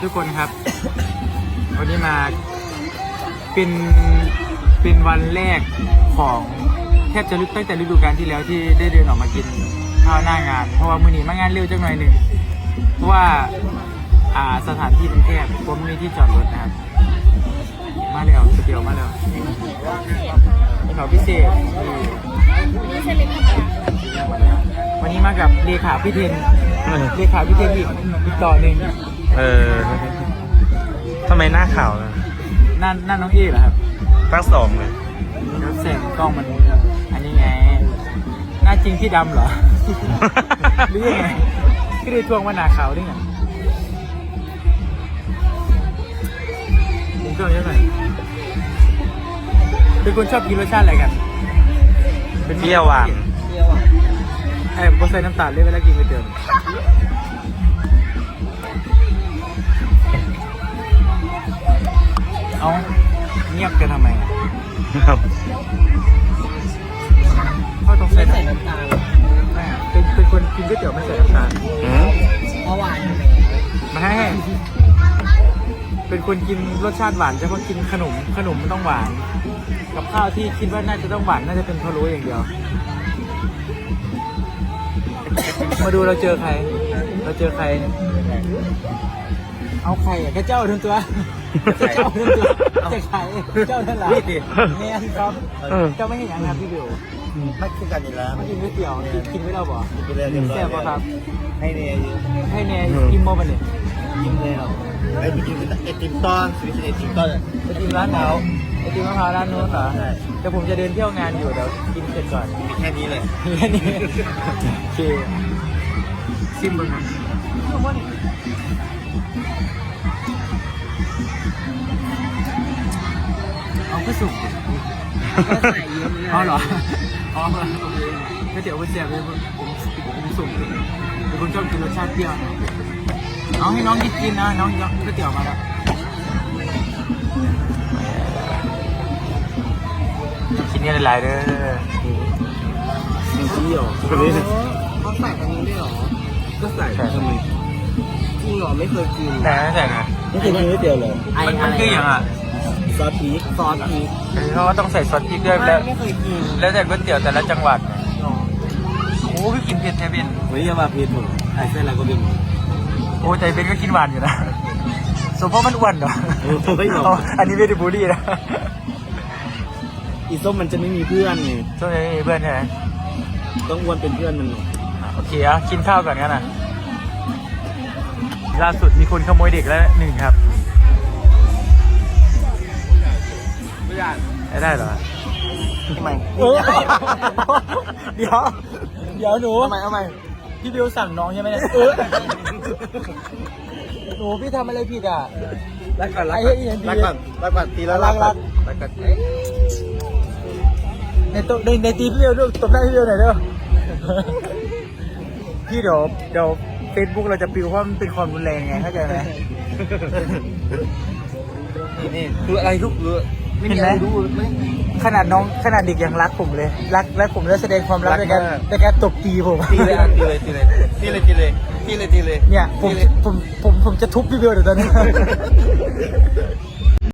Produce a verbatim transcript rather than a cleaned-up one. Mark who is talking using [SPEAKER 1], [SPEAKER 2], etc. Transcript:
[SPEAKER 1] ทุกคนครับ วันนี้มาเป็นเป็นวันแรกของแทบจะลึกตั้งแต่ฤดูกาลที่แล้วที่ได้เดินออกมากินข้าวหน้างาน เพราะว่ามื้อนี้มางานเร็วจังหน่อยหนึ่งเพราะว่าอ่าสถานที่มันแคบผมมีที่จอดรถนะครับมาแล้วสเดียวมาแล้วนี่เขาพิเศษวันนี้มากับเลขาพี่เทนเลขาพี่เทนอีกอีกต่อหนึ่ง
[SPEAKER 2] เออทำไมหน้าขาวนะ
[SPEAKER 1] หน้าหน้าน้องเอ๋เหรอครับ
[SPEAKER 2] ตั้งสองเลย
[SPEAKER 1] แล้วแสงกล้องมันอันนี้ไงหน้าจริงที่ดำเหรอ หรือยังไงก็ได้ทวงว่าหนาขาวได้ไงผมชอบเยอะหน่อยเป็นคนชอบกินรสชาติอะไรกัน
[SPEAKER 2] เปรี้ยวหวาน
[SPEAKER 1] ไอ้ผมใส่น้ำตาลเลยเวลากินไปเติมเอาเงียบกันทำไมอ่ะเขาต้องใส่น้ำตาลไม่เป็นเป็นคนกินก๋วยเตี๋ยวไม่ใส่น้ำตาล
[SPEAKER 2] อืม
[SPEAKER 3] เพราะหวานอยู่
[SPEAKER 1] มาให้เป็นคนกินรสชาติหวานเฉพาะกินขนมขนมมันต้องหวาน กับข้าวที่คิดว่าน่าจะต้องหวานน่าจะเป็นพะโล้อย่างเดียว มาดูเราเจอใคร เราเจอใคร เอาใครอ่ะแค่เจ้าทั้งตัวแค่เจ้าทั้งตัวแต่ใครเจ้าทั้งหลายแม่ครับเจ้าไม่เห็นยังครับพี่บิว
[SPEAKER 3] ไม่คือกันอยู่แล้ว
[SPEAKER 1] มากินก๋วยเตี๋ยวกินกินไม่ได้บ่
[SPEAKER 3] กินไปเลยเรียบร้อย
[SPEAKER 1] แซ่บป่ะครับ
[SPEAKER 3] ให้เนี่ย
[SPEAKER 1] ให้แน่กินโมบันเนี่ย
[SPEAKER 3] กินแล้วไอ้ไปกินไอติมต้อนสวิตไอติมต้อน
[SPEAKER 1] ไปกินร้านไหนไปกินมะพร้าวร้านนู้นเหรอแต่ผมจะเดินเที่ยวงานอยู่เดี๋ยวกินเสร็จก่อน
[SPEAKER 3] มีแค่นี้เลย
[SPEAKER 1] แค่นี้โอเคซิมเบิ้งนะเอาก็สุก
[SPEAKER 3] ก็ใส่เยอะเลย
[SPEAKER 1] อ๋อเหรออ๋อโอเคก็เดี๋ยวไปเสียบเลยผมผมสุ่มเป็นคนชอบกินรสชาติเปรี้ยวเอาให้น้องกินกินนะน้องยกก๋วยเตี๋ยวมาแล้วกินกันหลายๆเด้อ
[SPEAKER 3] มีที่หรอคนนี้เขาใส่กันนี้ด้วยหรอก็ใส่ทำไมจริงหรอไม่เคยกิน
[SPEAKER 1] แต่ไม่ใส่นะ
[SPEAKER 3] ไม่เคยกินก๋วยเตี๋ยวเลย
[SPEAKER 1] มันมันคืออย่างอ่ะ
[SPEAKER 3] ซอสพริกซอสพริก
[SPEAKER 1] เพราะว่าต้องใส่ซอสพริกด้วยแล้ว
[SPEAKER 3] ไม่เคยกิน
[SPEAKER 1] แล้วแต่ก๋วยเตี๋ยวแต่ละจังหวัดโอ้พี่กินเผ็ดแท้เป็น
[SPEAKER 3] เฮ้ยอย่ามาพิษผมไอ้เส้นอะไรก็เป็น
[SPEAKER 1] โอ้ใจเป็นก็กินหวานอยู่นะสมเพราะมันอ้วนเหรอ
[SPEAKER 3] ไม่หรอ
[SPEAKER 1] เอาอันนี้ไม่ได้บูลลี่นะ
[SPEAKER 3] อีส้มมันจะไม่มีเพื่อนไง
[SPEAKER 1] ช่วงนี้มีเพื่อนใช่ไหม
[SPEAKER 3] ต้องอ้วนเป็นเพื่อนมัน
[SPEAKER 1] โอเคอ่ะกินข้าวก่อนกันนะล่าสุดมีคนขโมยเด็กแล้วหนึ่งครับไม่ได้ได้เหรอ
[SPEAKER 3] ทำไม
[SPEAKER 1] เดี๋ยวเดี๋ยวหนู
[SPEAKER 3] ทำไมทำไม
[SPEAKER 1] พี่บิวสั่งน้องใช่ไหมเนี่ยเออหนูพี่ทำอะไรผิดอ่ะ
[SPEAKER 3] รักก่อนรัก
[SPEAKER 1] ไอ้
[SPEAKER 3] ก่อน
[SPEAKER 1] เหี้ย
[SPEAKER 3] รักก่อนรักก่อนตีแล้ว
[SPEAKER 1] รักรัก
[SPEAKER 3] รักก่อน
[SPEAKER 1] ในตัวในในตีพี่บิวด้วยตบหน้าพี่บิวหน่อยเด้อพี่เดี๋ยวเดี๋ยวเฟซบุ๊กเราจะปิวเพราะมันเป็นความรุนแรงไงเข้าใจไหม
[SPEAKER 3] นี่นี่คืออะไรทุกเรื่องไม่มี
[SPEAKER 1] เห็น
[SPEAKER 3] อะ
[SPEAKER 1] ไหม
[SPEAKER 3] ไรรู้ไม่
[SPEAKER 1] ขนาดน้องขนาดเด็กยังรักผมเลย รักและผมแล้วแสดงความรัก
[SPEAKER 3] รัก
[SPEAKER 1] ในการ
[SPEAKER 3] มาก
[SPEAKER 1] ในการตบตีผม
[SPEAKER 3] ตีเลยอ่ะตีเลยตีเลยตีเลยตีเลยตีเลยตีเลย
[SPEAKER 1] เนี่ยผม
[SPEAKER 3] ตีเลย
[SPEAKER 1] ผมผมผมจะทุบพี่บิวเดี๋ยวตอนนี้